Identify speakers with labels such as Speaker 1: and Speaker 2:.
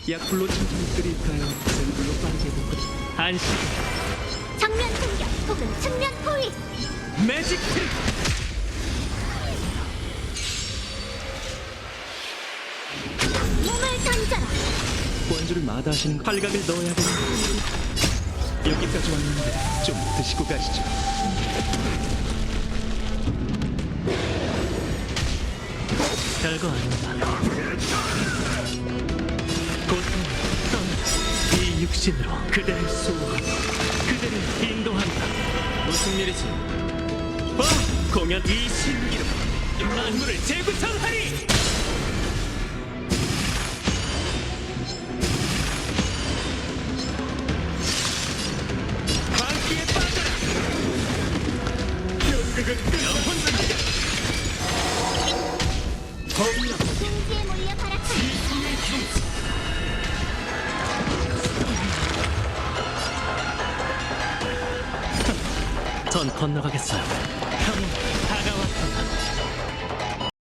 Speaker 1: 약불로 천천히 끓일까요? 센 불로 빠르게 볶을까요?
Speaker 2: 안식
Speaker 3: 정면 공격 혹은 측면 포위.
Speaker 2: 매직 트릭.
Speaker 3: 몸을 던져라.
Speaker 1: 원주를 마다하시는 거
Speaker 2: 팔각을 넣어야겠네.
Speaker 1: 여기까지 왔는데 좀 드시고 가시죠.
Speaker 2: 별거 아니다. 고통을 떠나 이 육신으로 그대를 수호하고 그대를 인도한다.
Speaker 1: 무슨 일이지?
Speaker 2: 공연 이 신기로 만물을 재구성하리. 광기에 빠져라. 연극은 영혼입니다.
Speaker 3: 승지에 몰려 발악하라.
Speaker 2: 전 건너가겠어요. 평온